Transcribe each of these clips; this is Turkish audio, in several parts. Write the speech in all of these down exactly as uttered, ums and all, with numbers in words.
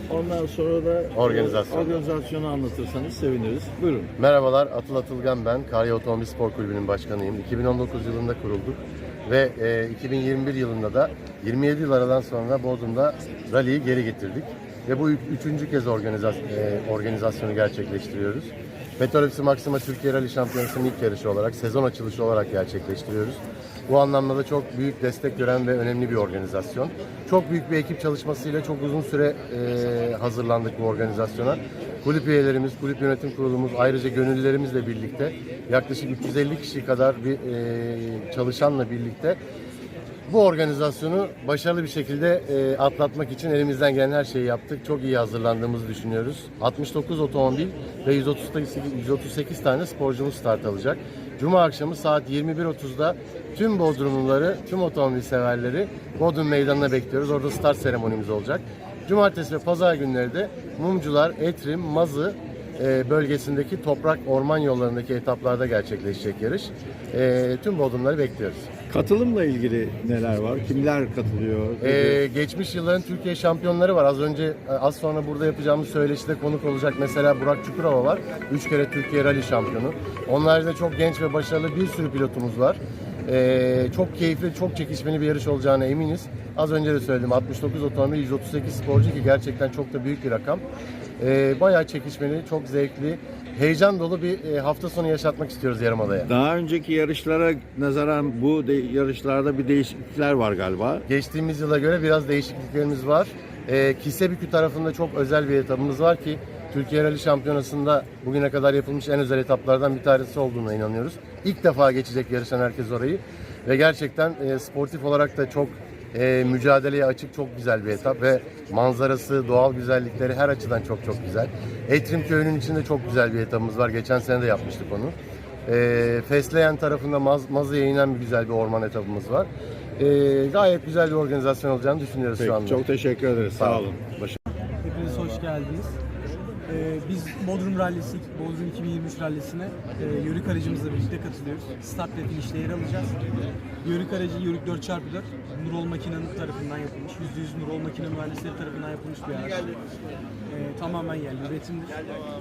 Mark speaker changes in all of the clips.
Speaker 1: Ondan sonra da
Speaker 2: Organizasyon.
Speaker 1: organizasyonu anlatırsanız seviniriz. Buyurun.
Speaker 2: Merhabalar, Atıl Atılgan ben. Karya Otomobil Spor Kulübü'nün başkanıyım. iki bin on dokuz yılında kurulduk ve e, iki bin yirmi bir yılında da yirmi yedi yıl aradan sonra Bodrum'da rally'yi geri getirdik. Ve bu üçüncü kez organizasyon, e, organizasyonu gerçekleştiriyoruz. Petrol Ofisi Maxima Türkiye Rally Şampiyonası'nın ilk yarışı olarak, sezon açılışı olarak gerçekleştiriyoruz. Bu anlamda da çok büyük destek gören ve önemli bir organizasyon. Çok büyük bir ekip çalışmasıyla çok uzun süre e, hazırlandık bu organizasyona. Kulüp üyelerimiz, kulüp yönetim kurulumuz, ayrıca gönüllülerimizle birlikte yaklaşık üç yüz elli kişi kadar bir e, çalışanla birlikte bu organizasyonu başarılı bir şekilde e, atlatmak için elimizden gelen her şeyi yaptık. Çok iyi hazırlandığımızı düşünüyoruz. altmış dokuz otomobil ve yüz otuz sekiz, yüz otuz sekiz tane sporcumuz start alacak. Cuma akşamı saat yirmi bir otuzda tüm Bodrumluları, tüm otomobil severleri Bodrum Meydanı'na bekliyoruz. Orada start seremonimiz olacak. Cumartesi ve pazar günleri de Mumcular, Etrim, Mazı e, bölgesindeki toprak orman yollarındaki etaplarda gerçekleşecek yarış. E, tüm Bodrumları bekliyoruz.
Speaker 1: Katılımla ilgili neler var? Kimler katılıyor?
Speaker 2: Ee, geçmiş yılların Türkiye şampiyonları var. Az önce, az sonra burada yapacağımız söyleşide konuk olacak mesela Burak Çukurova var. Üç kere Türkiye Rally şampiyonu. Onlarca çok genç ve başarılı bir sürü pilotumuz var. Ee, çok keyifli, çok çekişmeli bir yarış olacağına eminiz. Az önce de söyledim, altmış dokuz otomobil, yüz otuz sekiz sporcu ki gerçekten çok da büyük bir rakam. Ee, bayağı çekişmeli, çok zevkli, heyecan dolu bir hafta sonu yaşatmak istiyoruz Yarımada'ya.
Speaker 1: Daha önceki yarışlara nazaran bu de- yarışlarda bir değişiklikler var galiba.
Speaker 2: Geçtiğimiz yıla göre biraz değişikliklerimiz var. Ee, Kisebükü tarafında çok özel bir etapımız var ki Türkiye Rally Şampiyonası'nda bugüne kadar yapılmış en özel etaplardan bir tanesi olduğuna inanıyoruz. İlk defa geçecek yarışan herkes orayı ve gerçekten e, sportif olarak da çok e, mücadeleye açık, çok güzel bir etap ve manzarası, doğal güzellikleri her açıdan çok çok güzel. Etrim Köyü'nün içinde çok güzel bir etapımız var. Geçen sene de yapmıştık onu. E, Fesleyen tarafında Maz, Mazı'ya inen bir güzel bir orman etapımız var. E, gayet güzel bir organizasyon olacağını düşünüyoruz
Speaker 1: Peki,
Speaker 2: şu anda.
Speaker 1: çok teşekkür ederiz.
Speaker 2: Sağ
Speaker 1: Sağ
Speaker 2: olun.
Speaker 1: olun. Baş-
Speaker 3: Hepiniz hoş geldiniz. Ee, biz Bodrum Rallisi, Bodrum iki bin yirmi üç Rallisi'ne e, yörük aracımızla birlikte katılıyoruz. Start ve finişte yer alacağız. Yörük aracı Yörük dört çarpı dört Nurol Makina'nın tarafından yapılmış. yüzde yüz Nurol Makina mühendisleri tarafından yapılmış bir araç. Ee, tamamen yerli üretimdir.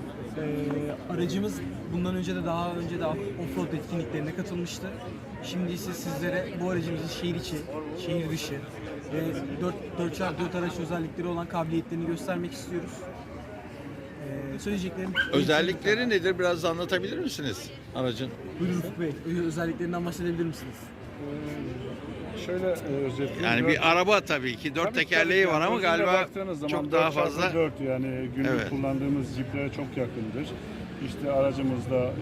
Speaker 3: Ee, aracımız bundan önce de daha önce de offroad etkinliklerine katılmıştı. Şimdi ise sizlere bu aracımızın şehir içi, şehir dışı ve dört çarpı dört araç özellikleri olan kabiliyetlerini göstermek istiyoruz. Ee, söyleyeceklerim...
Speaker 4: Özellikleri nedir? Biraz da anlatabilir misiniz aracın?
Speaker 3: Buyurun Ufuk Bey, özelliklerinden bahsedebilir misiniz?
Speaker 5: Şöyle e, özetleyeyim.
Speaker 4: Yani bir araba tabii ki dört
Speaker 5: Tabii,
Speaker 4: tekerleği
Speaker 5: tabii.
Speaker 4: var ama
Speaker 5: Gözüyle
Speaker 4: galiba
Speaker 5: baktığınız zaman
Speaker 4: çok daha
Speaker 5: dört çarpı
Speaker 4: fazla.
Speaker 5: dört yani günlük
Speaker 4: Evet.
Speaker 5: kullandığımız ciplere çok yakındır. İşte aracımızda e,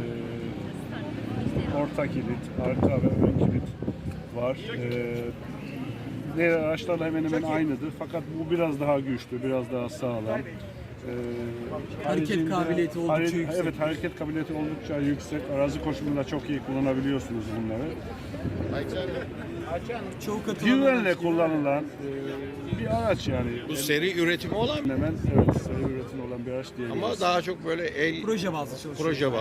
Speaker 5: orta kilit, arka ve ön kilit var. E, diğer araçlarla hemen hemen aynıdır. Fakat bu biraz daha güçlü, biraz daha sağlam. E,
Speaker 3: Hareket
Speaker 5: haricinde-
Speaker 3: kabiliyeti oldukça
Speaker 5: hare-
Speaker 3: yüksek.
Speaker 5: Evet, hareket kabiliyeti oldukça yüksek. Arazi koşumunda çok iyi kullanabiliyorsunuz bunları.
Speaker 3: Çoğu katılan
Speaker 5: Güvenle
Speaker 3: araç-
Speaker 5: kullanılan e, bir araç yani.
Speaker 4: Bu seri üretimi olan
Speaker 5: Hemen evet, seri üretim olan bir araç diyebiliriz.
Speaker 4: ama daha çok böyle el
Speaker 3: proje bazlı çalışıyor.
Speaker 4: proje